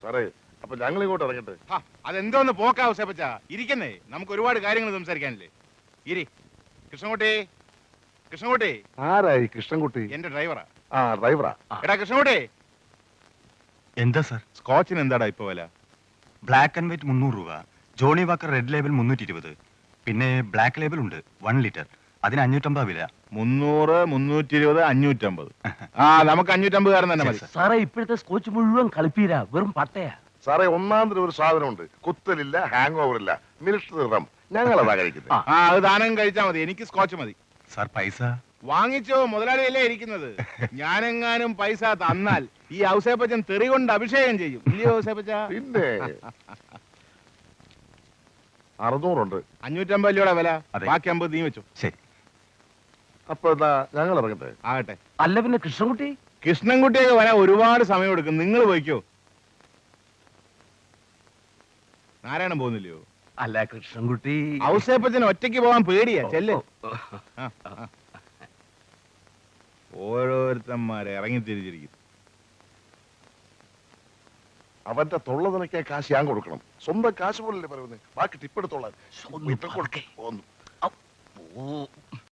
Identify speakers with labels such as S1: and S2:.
S1: സാറേ, അപ്പൊ ഞങ്ങൾ ഇങ്ങോട്ട് ഇറങ്ങട്ടെ?
S2: അതെന്തോന്ന് പോക്കാ ഔസേപ്പച്ച, ഇരിക്കുന്നേ, നമുക്ക് ഒരുപാട് കാര്യങ്ങൾ സംസാരിക്കാനില്ലേ. ഇരി. കൃഷ്ണൻകുട്ടി, കൃഷ്ണൻകുട്ടി.
S1: ആരായി കൃഷ്ണൻകുട്ടി?
S2: എന്റെ ഡ്രൈവറാ.
S1: ഡ്രൈവറാ?
S2: എടാ കൃഷ്ണൻകുട്ടി.
S3: എന്താ സാർ?
S2: സ്കോച്ചിന് എന്താടാ ഇപ്പൊ വില?
S3: ബ്ലാക്ക് ആൻഡ് വൈറ്റ് 300 രൂപ, ജോണി വാക്കർ റെഡ് ലേബൽ 320, പിന്നെ ബ്ലാക്ക് ലേബൽ ഉണ്ട് 1 ലിറ്റർ, അതിന് 550 വില.
S2: 300, 320, 550. നമുക്ക് 550 കാരൻ തന്നെ മതി
S4: സാറേ. ഇപ്പോഴത്തെ സ്കോച്ച് മുഴുവൻ കളിപ്പീരാ, വെറും പട്ടയാ
S1: സാറേ. ഒന്നാം ഒരു സാധനമുണ്ട്, കുത്തലില്ല, ഹാങ് ഓവർ ഇല്ല, മിലിറ്ററി റം. ഞങ്ങളതാ കഴിക്കുന്നത്.
S2: അത് ദാനം കഴിച്ചാ മതി, എനിക്ക് സ്കോച്ച് മതി.
S3: സാർ പൈസ
S2: വാങ്ങിച്ചോ, മുതലാളിയല്ലേ ഇരിക്കുന്നത്. ഞാനെങ്ങാനും പൈസ തന്നാൽ ഈ ഔസേപ്പച്ചൻ തെറി കൊണ്ട് അഭിഷേകം ചെയ്യും. ഇല്ലയോ ഔസേപ്പച്ച?
S1: പിന്നെ 600 ഉണ്ട്.
S2: 550 രൂപയുടെ വില, ബാക്കി 50 നീ വെച്ചു.
S3: ശരി.
S1: അപ്പൊ എന്താ ഞങ്ങൾ ഇറങ്ങട്ടെ?
S2: ആകട്ടെ.
S4: അല്ല പിന്നെ കൃഷ്ണൻകുട്ടി?
S2: കൃഷ്ണൻകുട്ടിയൊക്കെ വരാൻ ഒരുപാട് സമയം എടുക്കും, നിങ്ങൾ പോയിക്കോ. നാരായണൻ പോകുന്നില്ലയോ?
S4: അല്ല കൃഷ്ണൻകുട്ടി.
S2: ഔസേപ്പച്ചന് ഒറ്റയ്ക്ക് പോകാൻ പേടിയാ. ചെല്ല്. ഓരോരുത്തന്മാരെ ഇറങ്ങി തിരിച്ചിരിക്കും.
S1: അവന്റെ തൊള്ള നിനക്കാൻ കാശ് ഞാൻ കൊടുക്കണം. സ്വന്തം കാശ് പോലല്ലേ പറയുന്നത്. ബാക്കി ടിപ്പെടുത്തോളാൻ.